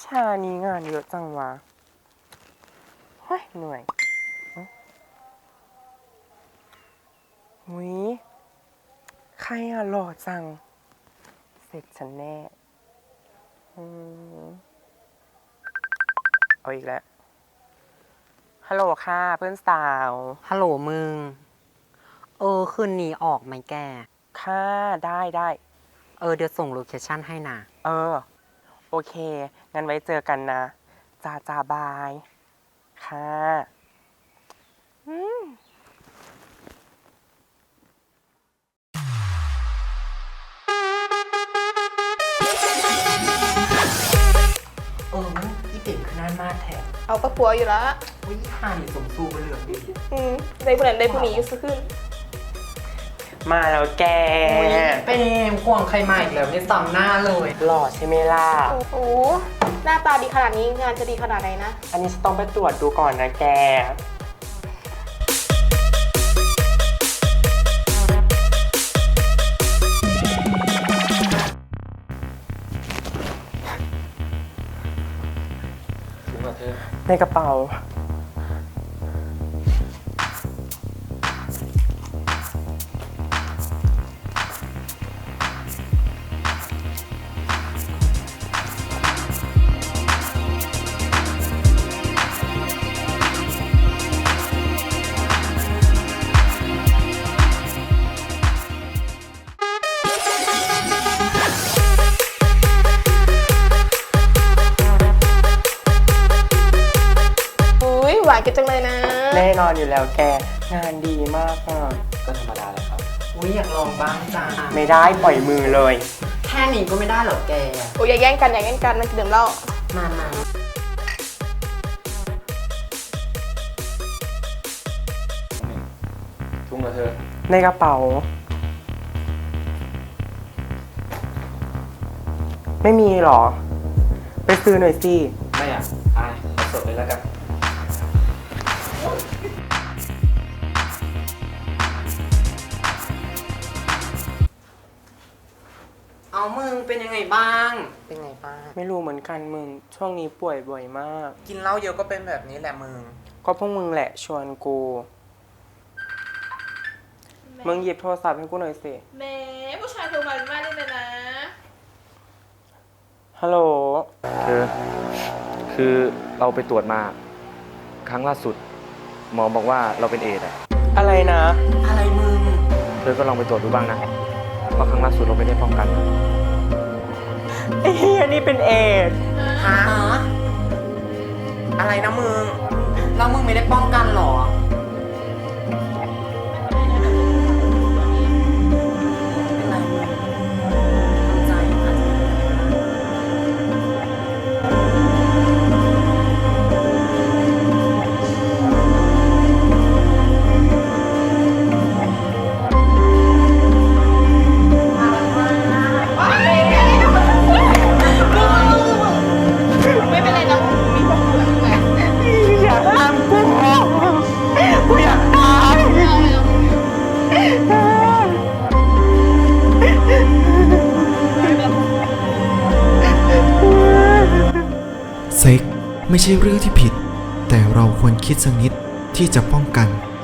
ชานี้งานเยอะจังวะเฮ้ยเหนื่อยหุยใครอะหล่อจังเสร็จฉันแน่เอาอีกแล้วฮัลโหลค่ะเพื่อนสาวฮัลโหลมึง คืนนี้ออกไหมแกค่ะได้เดี๋ยวส่งโลเคชั่นให้นะโอเค งั้นไว้เจอกันนะจ้าบาย ค่ะมึงอีเด็กขนาดมาแทนเอาก็ปัวอยู่แล้ววิหานี่สมสู้ไปเหลืองดีได้ผู้นั้นได้ผู้นี้อยู่สักขึ้นมาแล้วแกเปรมควงใครมาอีกแล้วไม่ซ้ำหน้าเลยหล่อใช่ไหมล่ะโอ้โห หน้าตาดีขนาดนี้งานจะดีขนาดไหนนะอันนี้จะต้องไปตรวจดูก่อนนะแกถึงว่าเธอในกระเป๋าอุ้ยหวานกันจังเลยนะแน่นอนอยู่แล้วแก งานดีมากอ่ะก็ธรรมดาเลยครับอุ้ยอยากลองบ้างจ้าไม่ได้ปล่อยมือเลยแค่นี้ก็ไม่ได้เหรอแกโอ้ยอย่าแย่งกันมันจะดื่มเหล้ามาทุ่งกับเธอในกระเป๋า ไม่มีหรอ ไปซื้อหน่อยสิไม่อ่ะอายเอาสดเลยแล้วกันเอามึงเป็นยังไงบ้าง เป็นไงบ้างไม่รู้เหมือนกันมึง ช่วงนี้ป่วยบ่อยมากกินเหล้าเยอะก็เป็นแบบนี้แหละมึงก็พวกมึงแหละชวนกู มึงหยิบโทรศัพท์ให้กูหน่อยสิแหม่ผู้ชายโทรมาเป็นบ้านเลยนะฮัลโหลเธอ คือเราไปตรวจมา ครั้งล่าสุด หมอบอกว่าเราเป็นเอดส์อ่ะอะไรนะอะไรมึงเธอก็ลองไปตรวจดูบ้างนะ เพราะครั้งล่าสุดเราไม่ได้ป้องกันไอ้เฮียนี่เป็นเอดส์ฮะ อะไรนะมึง แล้วมึงไม่ได้ป้องกันเหรอ เป็นไรมึงทำใจอาจจะไม่เป็นไรนะมีพวกเพื่อนไงอยากตามกูกูอยากตายเซ็กไม่ใช่เรื่องที่ผิด แต่เราควรคิดสักนิดที่จะป้องกัน